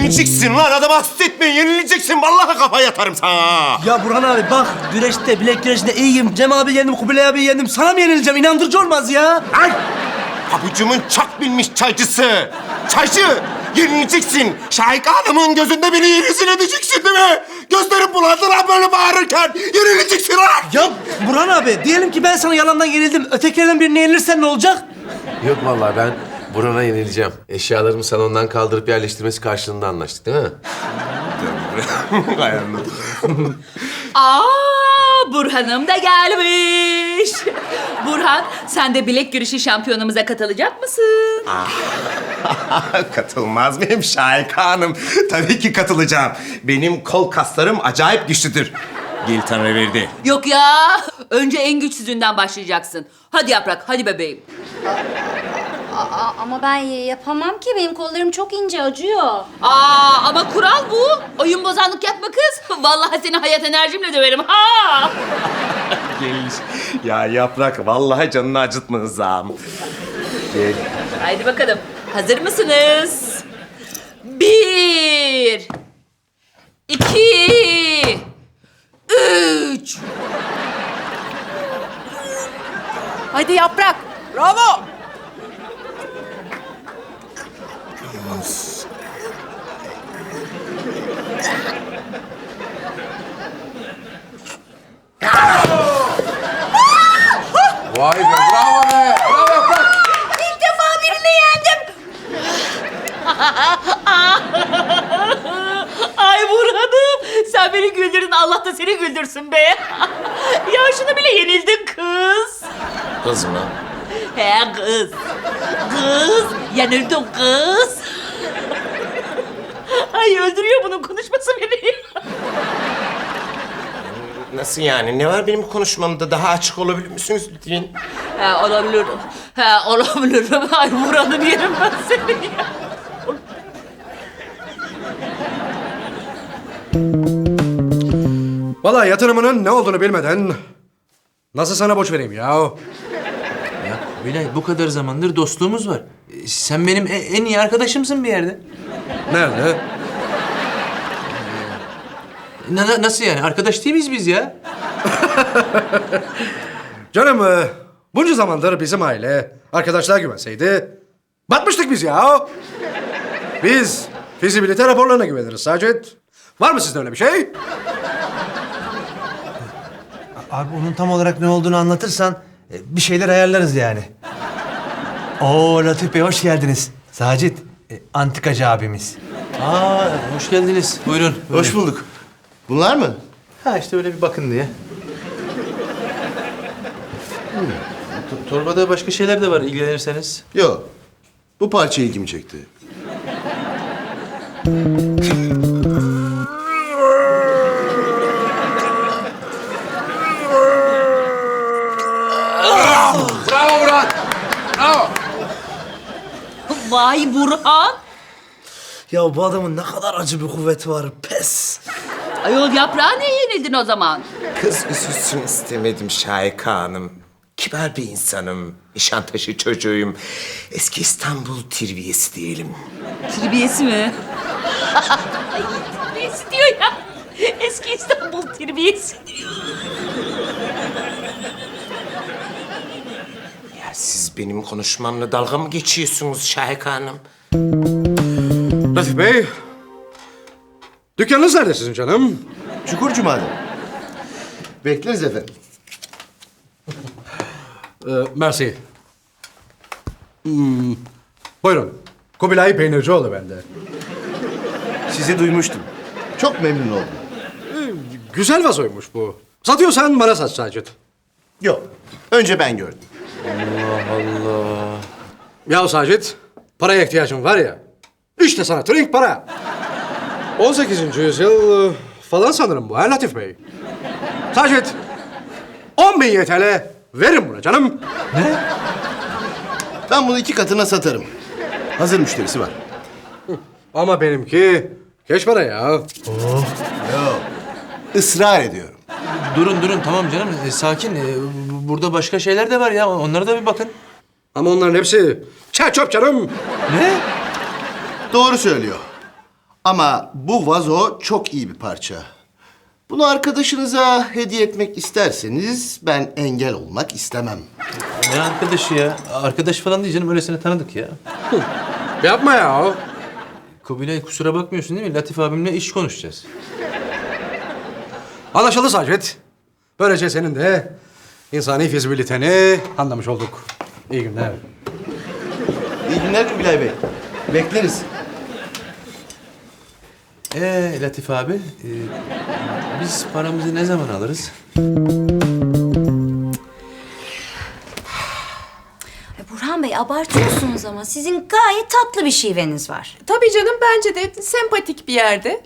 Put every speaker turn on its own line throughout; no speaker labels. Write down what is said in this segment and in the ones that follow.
Yenileceksin lan, adamı hasta etme, yenileceksin. Vallahi kafaya yatarım sana.
Ya Burhan abi bak, güreşte, bilek güreşinde iyiyim. Cem abi yendim, Kubilay abi yendim. Sana mı yenileceğim? İnandırıcı olmaz ya.
Ay! Pabucumun çak bilmiş çaycısı. Çaycı, yenileceksin. Şahika Hanım'ın gözünde beni yenilsin edeceksin değil mi? Gözlerim bulandı lan böyle bağırırken. Yenileceksin lan.
Ya Burhan abi, diyelim ki ben sana yalandan yenildim. Ötekilerden birine yenilirsen ne olacak?
Yok vallahi ben Burhan'a yenileceğim. Eşyalarımı salondan kaldırıp yerleştirmesi karşılığında anlaştık değil mi?
Burhan'ım da gelmiş. Burhan, sen de bilek güreşi şampiyonumuza katılacak mısın?
Katılmaz mıyım Şahika Hanım? Tabii ki katılacağım. Benim kol kaslarım acayip güçlüdür. Gel Tanrı verdi.
Yok ya, önce en güçsüzünden başlayacaksın. Hadi Yaprak, hadi bebeğim.
Ama ben yapamam ki. Benim kollarım çok ince, acıyor.
Ama kural bu. Oyun bozanlık yapma kız. Vallahi seni hayat enerjimle döverim. Ha!
Gel. Ya Yaprak, vallahi canını acıtmayacağım. Gel.
Haydi bakalım. Hazır mısınız? 1, 2, 3.
Hadi Yaprak. Bravo.
Vay be, bravo be! Bravo Yaprak!
İlk defa birini yendim. Ay Burhan'ım, sen beni güldürdün. Allah da seni güldürsün be. Ya şunu bile yenildin kız.
Kız mı?
He kız. Kız, yenildin kız. Ay öldürüyor bunun konuşması beni.
Nasıl yani? Ne var benim konuşmamda? Daha açık olabilir misiniz lütfen?
He olabilirim. He olabilirim. Ay Burhan'ım yerim ben seni ya.
Vallahi yatırımının ne olduğunu bilmeden nasıl sana borç vereyim ya?
Ya Kubilay, bu kadar zamandır dostluğumuz var. Sen benim en iyi arkadaşımsın bir yerde.
Nerede?
Nasıl yani? Arkadaş değil miyiz biz ya?
Canım bunca zamandır bizim aile arkadaşlar güvenseydi batmıştık biz ya. Biz fizibilite raporlarına güveniriz Sacit. Var mı sizde öyle bir şey?
Abi onun tam olarak ne olduğunu anlatırsan bir şeyler ayarlarız yani. Oo Latif Bey, hoş geldiniz. Sacit, antikacı abimiz.
Hoş geldiniz. Buyurun.
Hoş bulduk. Bunlar mı?
Ha işte öyle bir bakın diye. Torbada başka şeyler de var ilgilenirseniz.
Yok. Bu parça ilgimi çekti.
Bravo Burhan! Bravo!
Vay Burhan.
Ya bu adamın ne kadar acı bir kuvveti var. Pes.
Ayol Yaprağa niye yenildin o zaman?
Kız üzülsün istemedim Şahika Hanım. Kibar bir insanım. Nişantaşı çocuğuyum. Eski İstanbul terbiyesi diyelim.
Terbiyesi mi? Ay, terbiyesi diyor ya. Eski İstanbul terbiyesi diyor.
Ya siz benim konuşmamla dalga mı geçiyorsunuz Şahika Hanım?
Latif Bey, dükkanınız nerede sizin canım?
Çukur Cuma'da. Bekleriz efendim.
Mersi. Buyurun. Kubilay Peynircioğlu bende.
Sizi duymuştum. Çok memnun oldum.
Güzel vazoymuş bu. Satıyorsan bana sat Sacit.
Yok. Önce ben gördüm.
Ya Sacit, paraya ihtiyacım var ya. İşte sana trink para. 18. yüzyıl falan sanırım bu ha Latif Bey. Sacit, 10.000 YTL verin buna canım.
Ben bunu 2 katına satarım. Hazır müşterisi var.
Ama benimki keş para ya.
Yok. Israr ediyorum.
Durun tamam canım. Sakin. Burada başka şeyler de var ya. Onlara da bir bakın.
Ama onların hepsi çer çöp canım.
Ne?
Doğru söylüyor. Ama bu vazo çok iyi bir parça. Bunu arkadaşınıza hediye etmek isterseniz ben engel olmak istemem.
Ne arkadaşı ya? Arkadaş falan değil canım. Öylesine tanıdık ya.
Yapma ya.
Kubilay kusura bakmıyorsun değil mi? Latif abimle iş konuşacağız.
Anlaşıldı Sacit. Böylece senin de insani fizibiliteni anlamış olduk. İyi günler.
İyi günler Kubilay Bey. Bekleriz.
Latif abi, biz paramızı ne zaman alırız?
Ay Burhan Bey abartıyorsunuz ama sizin gayet tatlı bir şiveniz var.
Tabii canım bence de sempatik bir yerde.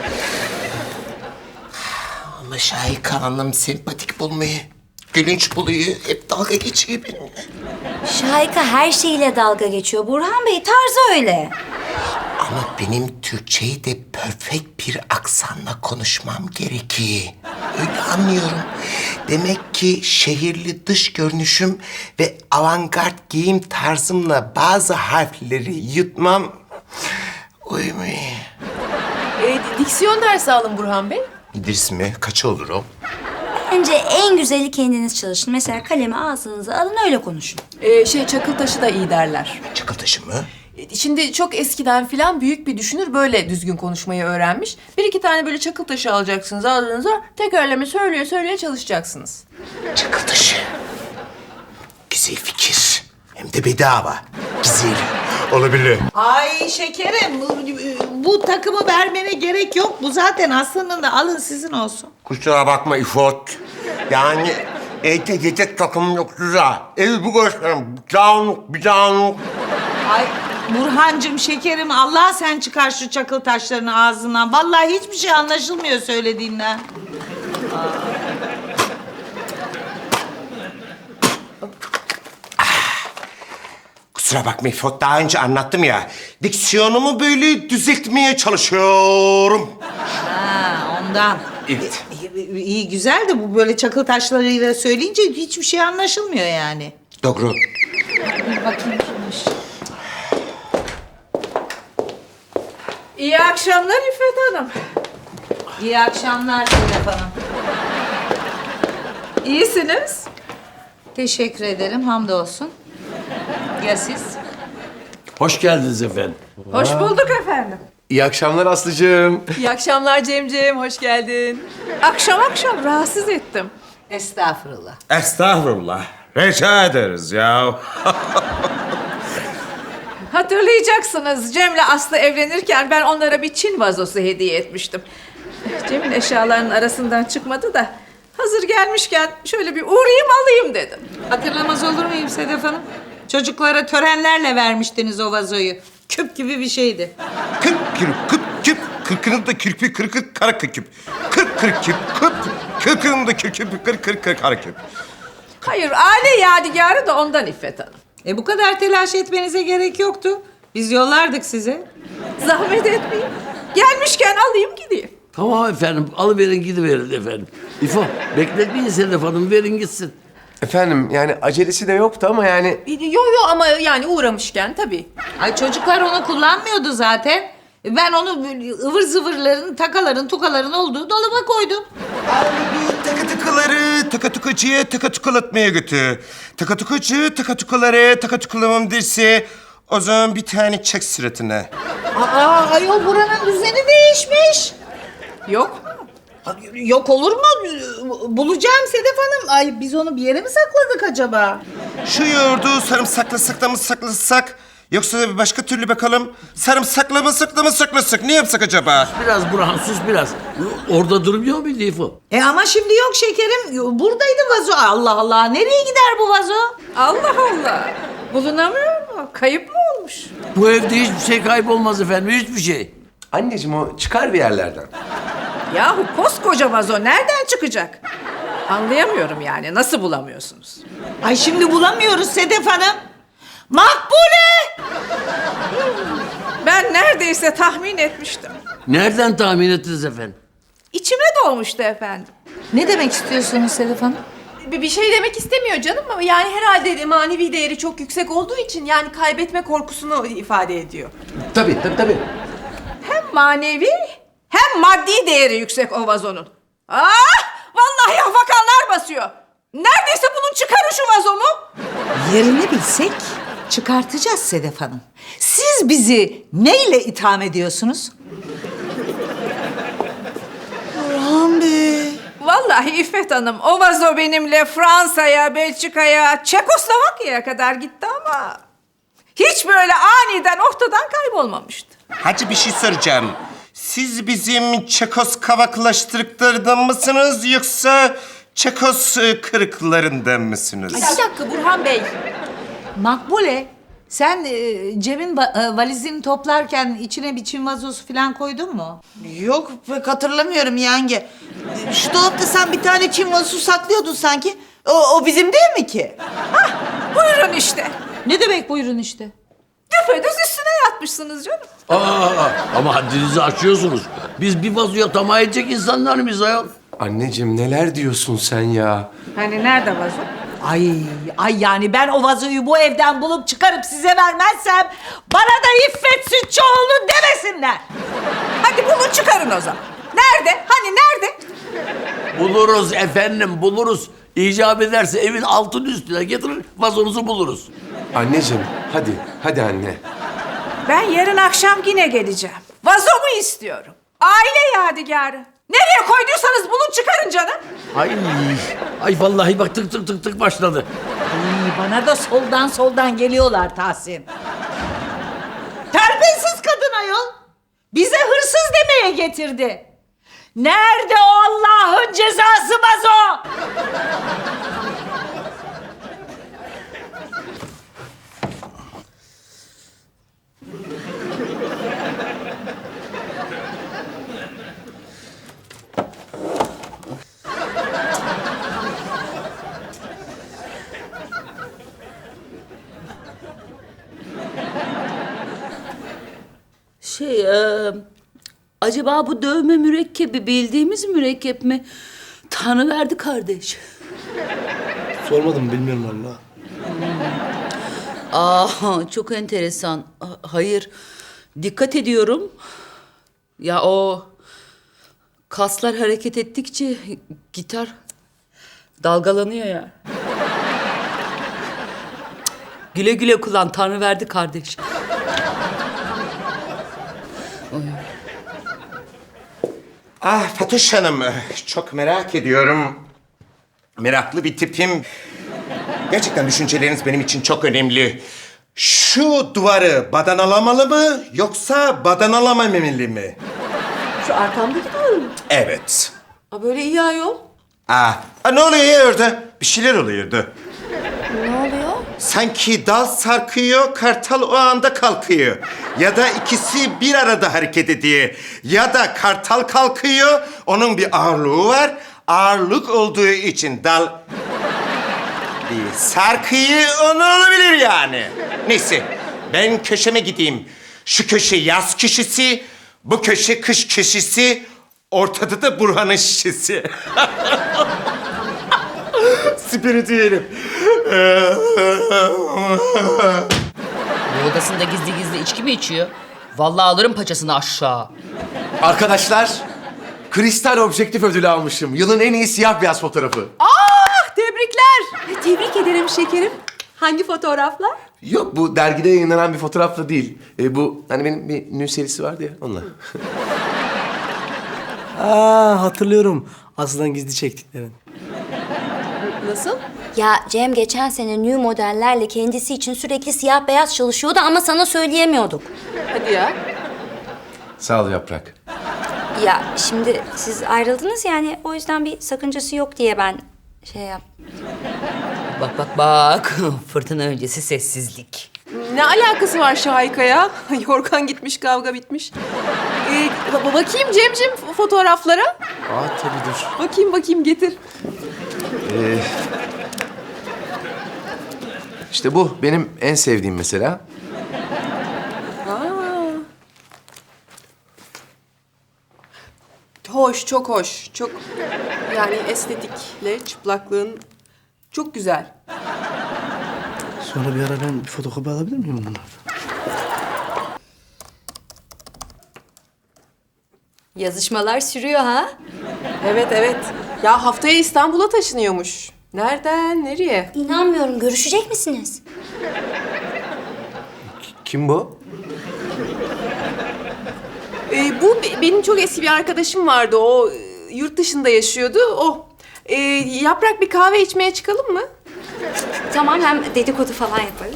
Ama Şahika Hanım sempatik bulmayı, gülünç buluyor, hep dalga geçiyor benimle.
Şahika her şeyiyle dalga geçiyor. Burhan Bey tarzı öyle.
Ama benim Türkçeyi de perfect bir aksanla konuşmam gerekiyor. Öyle anlıyorum. Demek ki şehirli dış görünüşüm ve avantgard giyim tarzımla bazı harfleri yutmam uymuyor.
Diksiyon dersi alın Burhan Bey.
İdris mi? Kaç olur o?
Bence en güzeli kendiniz çalışın. Mesela kalemi ağzınıza alın öyle konuşun.
Çakıl taşı da iyi derler.
Çakıl taşı mı?
Şimdi çok eskiden filan büyük bir düşünür böyle düzgün konuşmayı öğrenmiş. Bir iki tane böyle çakıl taşı alacaksınız ağzınıza. Tekerleme söyleye söyleye çalışacaksınız.
Çakıl taşı. Güzel fikir. Hem de bedava. Güzel. Olabilir.
Ay şekerim bu takımı vermene gerek yok. Bu zaten aslında alın sizin olsun.
Kusura bakma İfot. Yani evde yedek takımım yok güzel. Evi bu gösterim. Bir dağınık.
Ay Burhancığım şekerim Allah sen çıkar şu çakıl taşlarını ağzından. Vallahi hiçbir şey anlaşılmıyor söylediğinden.
Kusura bakma İfot. Daha önce anlattım ya. Diksiyonumu böyle düzeltmeye çalışıyorum.
Ha ondan.
Evet.
İyi güzel de bu böyle çakıl taşlarıyla söyleyince hiçbir şey anlaşılmıyor yani.
Doğru.
Bakayım kimmiş.
İyi akşamlar İffet Hanım.
İyi akşamlar Sedef Hanım.
İyisiniz.
Teşekkür ederim hamdolsun. Ya siz?
Hoş geldiniz efendim.
Hoş bulduk efendim.
İyi akşamlar Aslı'cığım.
İyi akşamlar Cemciğim, hoş geldin. Akşam akşam rahatsız ettim.
Estağfurullah.
Estağfurullah. Rica ederiz ya.
Hatırlayacaksınız Cem'le Aslı evlenirken ben onlara bir Çin vazosu hediye etmiştim. Cem'in eşyalarının arasından çıkmadı da hazır gelmişken şöyle bir uğrayayım alayım dedim.
Hatırlamaz olur muyum Sedef Hanım? Çocuklara törenlerle vermiştiniz o vazoyu. Küp gibi bir şeydi.
Kırk küp. Kırkının da kirpi kırkı kara küp. Kırk küp. Kırkının da kirpi kırk kara küp.
Hayır aile yadigarı da ondan İffet Hanım.
Bu kadar telaş etmenize gerek yoktu. Biz yollardık size.
Zahmet etmeyin. Gelmişken alayım gideyim.
Tamam efendim, alıverin gidiverin efendim. İfo, bekletmeyin Sedef Hanım, verin gitsin.
Efendim yani acelesi de yoktu ama yani...
Yo ama yani uğramışken tabii.
Ay çocuklar onu kullanmıyordu zaten. Ben onu böyle ıvır zıvırların, takaların, tukaların olduğu dolaba koydum.
Takatukucuya takatukalatmaya götür. Takatukucu takatukalamam derse o zaman bir tane çek suratına.
Ayol buranın düzeni değişmiş.
Yok.
Yok olur mu? Bulacağım Sedef Hanım. Ay biz onu bir yere mi sakladık acaba?
Şu yoğurdu sarımsaklasak da mı saklasak? Yoksa da bir başka türlü bakalım. Sarımsaklamasak da mı saklasak? Ne yapsak acaba?
Biraz Burhan, sus biraz. Orada durmuyor muydu İfo?
Ama şimdi yok şekerim. Buradaydı vazo. Allah Allah. Nereye gider bu vazo?
Allah Allah. Bulunamıyor mu? Kayıp mı olmuş?
Bu evde hiçbir şey kaybolmaz efendim, hiçbir şey.
Anneciğim o çıkar bir yerlerden.
Yahu koskoca vazo nereden çıkacak? Anlayamıyorum yani. Nasıl bulamıyorsunuz?
Ay şimdi bulamıyoruz Sedef Hanım. Makbule!
Ben neredeyse tahmin etmiştim.
Nereden tahmin ettiniz efendim?
İçime doğmuştu efendim.
Ne demek istiyorsunuz Sedef Hanım?
Bir şey demek istemiyor canım ama yani herhalde manevi değeri çok yüksek olduğu için yani kaybetme korkusunu ifade ediyor.
Tabii.
hem manevi hem maddi değeri yüksek o vazonun. Vallahi afakanlar basıyor. Neredeyse bulun çıkarın şu vazomu.
Yerini bilsek çıkartacağız Sedef Hanım. Siz bizi neyle itham ediyorsunuz?
Burhan Bey.
Vallahi İffet Hanım, o vazo benimle Fransa'ya, Belçika'ya, Çekoslovakya'ya kadar gitti ama hiç böyle aniden ortadan kaybolmamıştı.
Hacı bir şey soracağım. Siz bizim Çekos kavaklaştırdıklarından mısınız yoksa Çekos kırıklarından mısınız?
Bir dakika Burhan Bey. Makbule, sen Cem'in valizini toplarken içine bir Çin vazosu falan koydun mu?
Yok pek hatırlamıyorum yenge. Şu dolapta sen bir tane Çin vazosu saklıyordun sanki. O bizim değil mi ki?
Buyurun işte.
Ne demek buyurun işte?
Düpedüz üstüne yatmışsınız canım.
Ama haddinizi aşıyorsunuz. Biz bir vazoya tamah edecek insanlar mıyız ayol?
Anneciğim neler diyorsun sen ya?
Hani nerede vazo?
Ay yani ben o vazoyu bu evden bulup çıkarıp size vermezsem bana da İffet Sütçüoğlu demesinler.
Hadi bulun çıkarın o zaman. Nerede? Hani nerede?
Buluruz efendim, buluruz. İcap ederse evin altın üstüne getirir, vazonuzu buluruz.
Anneciğim hadi anne.
Ben yarın akşam yine geleceğim. Vazomu istiyorum. Aile yadigarı. Nereye koyduysanız bulun çıkarın canım.
Ay vallahi bak tık başladı.
Ay, bana da soldan geliyorlar Tahsin. Terbiyesiz kadın ayol. Bize hırsız demeye getirdi. Nerede o Allah'ın cezası vazo?
Acaba bu dövme mürekkebi bildiğimiz mürekkep mi? Tanrıverdi kardeş.
Sormadım, bilmiyorum valla.
Çok enteresan. Hayır, dikkat ediyorum. Ya o kaslar hareket ettikçe gitar dalgalanıyor ya. Güle güle kullan, Tanrıverdi kardeş.
Fatoş Hanım, çok merak ediyorum. Meraklı bir tipim. Gerçekten düşünceleriniz benim için çok önemli. Şu duvarı badanalamalı mı yoksa badanalamalı mı?
Şu arkamdaki duvar mı?
Evet.
Böyle iyi ayol.
Ne oluyor ya orada? Bir şeyler oluyordu.
Ne oluyor?
Sanki dal sarkıyor, kartal o anda kalkıyor. Ya da ikisi bir arada hareket ediyor. Ya da kartal kalkıyor, onun bir ağırlığı var. Ağırlık olduğu için dal bir sarkıyor, onu olabilir yani. Neyse, ben köşeme gideyim. Şu köşe yaz köşesi, bu köşe kış köşesi, ortada da Burhan'ın şişesi. Spiritüelim.
Bu odasında gizli içki mi içiyor? Vallahi alırım paçasını aşağı.
Arkadaşlar, kristal objektif ödülü almışım. Yılın en iyi siyah beyaz fotoğrafı.
Tebrikler. Tebrik ederim şekerim. Hangi fotoğraflar?
Yok, bu dergide yayınlanan bir fotoğrafla değil. Bu hani benim bir nü serisi vardı ya, onunla.
Hatırlıyorum. Aslı'dan gizli çektiklerin.
Nasıl?
Ya Cem geçen sene new modellerle kendisi için sürekli siyah beyaz çalışıyordu ama sana söyleyemiyorduk.
Hadi ya.
Sağ ol Yaprak.
Ya şimdi siz ayrıldınız yani o yüzden bir sakıncası yok diye ben şey yap.
Bak. Fırtına öncesi sessizlik.
Ne alakası var Şahika'ya? Yorgan gitmiş, kavga bitmiş. Bakayım Cemcim fotoğraflara.
Tabii dur.
Bakayım getir.
İşte bu benim en sevdiğim mesela.
Hoş, çok hoş. Çok yani estetikle çıplaklığın çok güzel.
Sonra bir ara ben bir fotokopi alabilir miyim bunlardan?
Yazışmalar sürüyor ha?
Evet evet. Ya haftaya İstanbul'a taşınıyormuş. Nereden nereye?
İnanmıyorum. Görüşecek misiniz?
Kim bu?
Benim çok eski bir arkadaşım vardı. O yurt dışında yaşıyordu. O. Yaprak bir kahve içmeye çıkalım mı?
Tamam, hem dedikodu falan yaparız.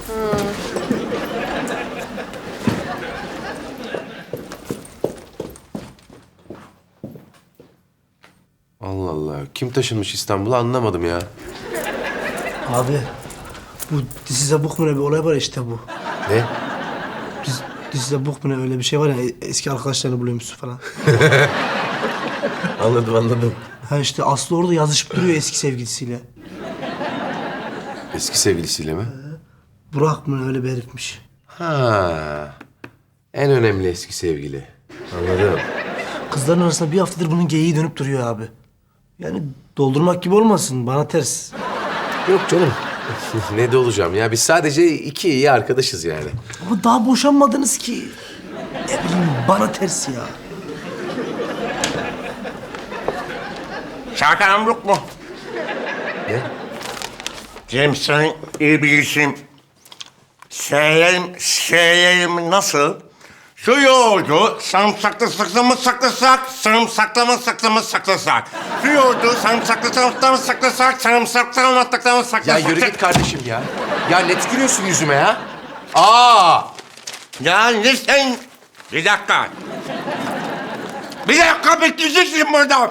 Allah Allah. Kim taşınmış İstanbul'a anlamadım ya.
Abi bu dizide buk mu ne bir olay var işte bu.
Ne?
Dizide buk mu ne öyle bir şey var ya eski arkadaşlarını buluyormuşsun falan.
Anladım.
Ha işte Aslı orada yazışıp duruyor eski sevgilisiyle.
Eski sevgilisiyle mi?
Burak mı ne öyle bir herifmiş.
Ha. En önemli eski sevgili. Anladım.
Kızların arasında bir haftadır bunun geyiği dönüp duruyor abi. Yani doldurmak gibi olmasın bana ters.
Yok canım. Ne de olacağım ya. Biz sadece iki iyi arkadaşız yani.
Ama daha boşanmadınız ki. Ne bileyim bana ters ya.
Şarkı yok mu?
Ne?
Cem sen iyi bilirsin. Söyleyelim nasıl? Şu yoğurdu sarımsaklı saklasak, saklasak. Şu yoğurdu sarımsaklı saklasak.
Ya yürü git kardeşim ya. Ya ne tükürüyorsun yüzüme ya? Aa!
Ya ne sen? Bir dakika. Bekleyeceksin burada.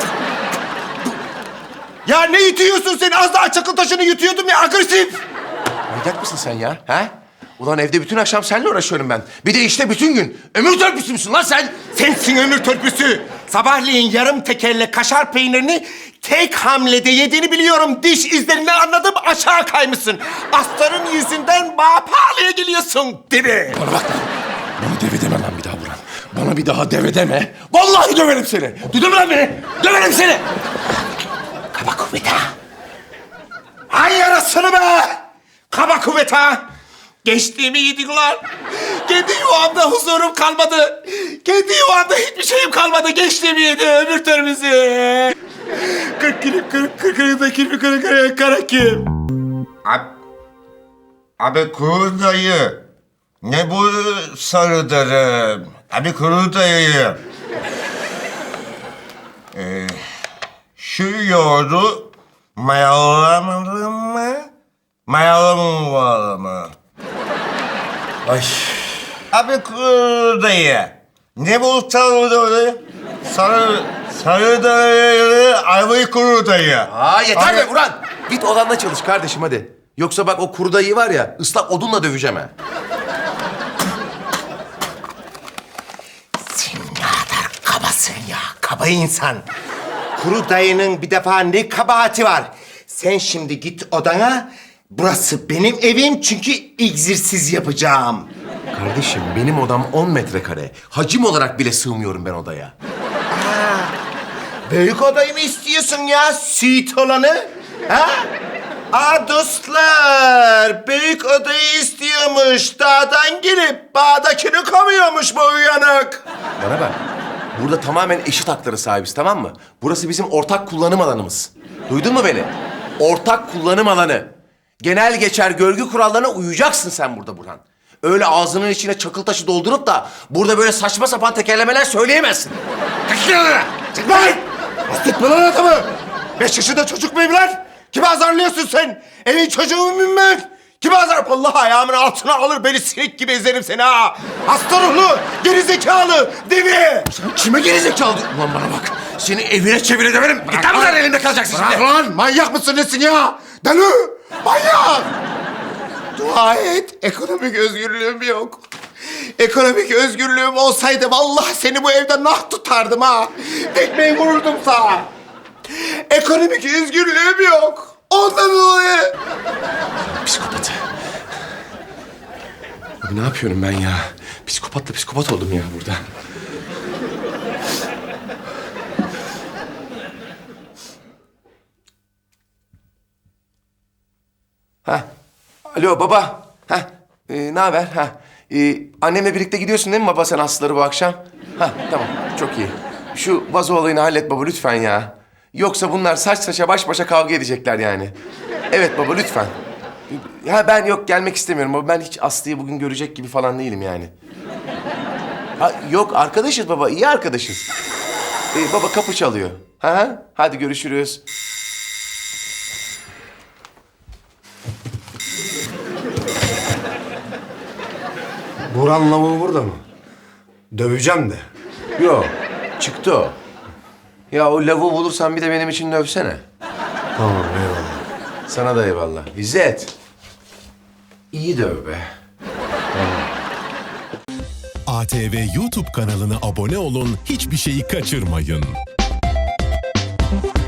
Ya ne yutuyorsun sen? Az daha çakıl taşını yutuyordum ya, agresif.
Manyak mısın sen ya? Ha? Ulan evde bütün akşam seninle uğraşıyorum ben. Bir de işte bütün gün. Ömür törpüsü müsün lan sen?
Sensin ömür törpüsü. Sabahleyin yarım tekerle kaşar peynirini tek hamlede yediğini biliyorum. Diş izlerinden anladım, aşağı kaymışsın. Aslanın yüzünden bana pahalıya geliyorsun, değil mi?
Bana bak lan. Bana deve deme lan bir daha Burhan. Bana bir daha deve deme. Vallahi döverim seni. Duydun mu lan beni? Döverim seni.
Kaba kuvvet ha. Ay yarasını be! Kaba kuvvet ha! Geçtiğimi yedik lan. Kendi yuvamda huzurum kalmadı. Kendi yuvamda hiçbir şeyim kalmadı. Geçtiğimi yedi ömür törpüsü. 40 kara kim? Abi kuru dayı. Ne bu sarıdarım? Abi kuru dayı. Şu yoğurdu mayalamalı mı? Mayalamalı mı?
Ay.
Abi kuru dayı. Ne bu sarı sarı dayı, ayvayı kuru dayı.
Aa yeter be Burhan. Git odanda çalış kardeşim hadi. Yoksa bak o kuru dayı var ya ıslak odunla döveceğim ha.
Sen ne kadar kabasın ya, kaba insan. Kuru dayının bir defa ne kabahati var? Sen şimdi git odana, burası benim evim çünkü egzersiz yapacağım.
Kardeşim benim odam 10 metrekare. Hacim olarak bile sığmıyorum ben odaya.
Büyük odayı mı istiyorsun ya, suite olanı? Ha? Dostlar, büyük odayı istiyormuş. Dağdan gelip bağdakini kovuyormuş bu uyanık.
Bana bak. Burada tamamen eşit haklara sahibiz tamam mı? Burası bizim ortak kullanım alanımız. Duydun mu beni? Ortak kullanım alanı. Genel geçer görgü kurallarına uyacaksın sen burada Burhan. Öyle ağzının içine çakıl taşı doldurup da burada böyle saçma sapan tekerlemeler söyleyemezsin.
Çık lan! Bastırtma lan adamı! 5 yaşında çocuk muyum lan? Kimi azarlıyorsun sen? Evin çocuğu muyum ben? Kimi azar? Allah ayağımın altına alır, beni sinek gibi ezerim seni ha! Hasta ruhlu, gerizekalı, deli!
Sen kime gerizekalı diyorsun? Ulan bana bak. Seni evine çevire döverim. Git lan buradan elimde kalacaksın
Bırak
şimdi.
lan! Manyak mısın nesin ya? Deli! Manyak! Dua et, ekonomik özgürlüğüm yok. Ekonomik özgürlüğüm olsaydı vallahi seni bu evde nah tutardım ha. Tekmeyi vururdum sana. Ekonomik özgürlüğüm yok. Ondan dolayı.
Psikopatı. Abi ne yapıyorum ben ya? Psikopatla psikopat oldum ya burada. Ha. Alo baba. Ha. Ne haber? Ha. Annemle birlikte gidiyorsun değil mi baba sen Aslıları bu akşam? Ha tamam çok iyi. Şu vazo olayını hallet baba lütfen ya. Yoksa bunlar saç saça baş başa kavga edecekler yani. Evet baba lütfen. Ha ben yok gelmek istemiyorum baba. Ben hiç Aslı'yı bugün görecek gibi falan değilim yani. Ha, yok arkadaşız baba, iyi arkadaşız. Baba kapı çalıyor. Ha, hadi görüşürüz.
Burhan lavuğu burada mı? Döveceğim de.
Yok, çıktı o. Ya o lavuğu bulursan bir de benim için dövsene.
Tamam eyvallah.
Sana da eyvallah. İzzet. İyi döv be.
ATV YouTube kanalına abone olun, hiçbir şeyi kaçırmayın.